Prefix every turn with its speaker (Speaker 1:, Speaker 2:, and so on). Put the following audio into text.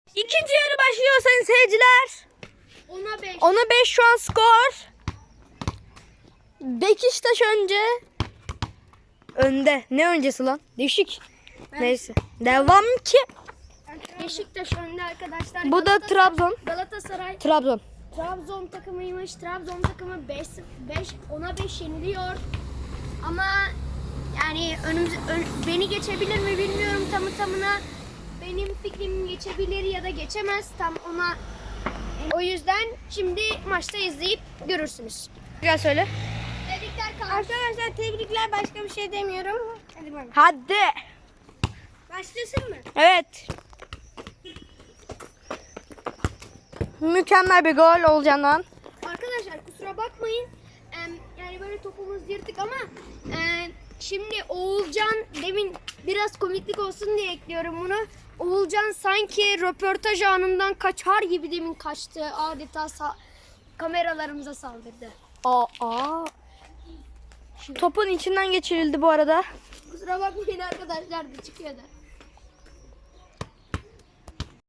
Speaker 1: İkinci yarı başlıyor sayın seyirciler.
Speaker 2: 10'a 5.
Speaker 1: 10'a 5 şu an skor. Beşiktaş önde. Ne öncesi lan? Değişik. Neyse. Devam ki.
Speaker 2: Beşiktaş önde arkadaşlar.
Speaker 1: Bu da Trabzon.
Speaker 2: Galatasaray
Speaker 1: Trabzon.
Speaker 2: takımıymış. Trabzon takımı 5 10'a 5 yeniliyor. Ama yani beni geçebilir mi bilmiyorum tamına. Benim fikrim geçebilir ya da geçemez tam ona. O yüzden şimdi maçta izleyip görürsünüz.
Speaker 1: Gel söyle.
Speaker 2: Tebrikler arkadaşlar, tebrikler, başka bir şey demiyorum. Hadi bakalım.
Speaker 1: Hadi.
Speaker 2: Başlasın mı?
Speaker 1: Evet. Mükemmel bir gol olacağından.
Speaker 2: Arkadaşlar kusura bakmayın. Yani böyle topumuz yırtık ama şimdi Oğulcan, demin biraz komiklik olsun diye ekliyorum bunu. Oğulcan sanki röportaj anından kaçar gibi demin kaçtı. Adeta kameralarımıza saldırdı.
Speaker 1: Aa. Topun içinden geçirildi bu arada.
Speaker 2: Kusura bakmayın arkadaşlar, da çıkıyordu.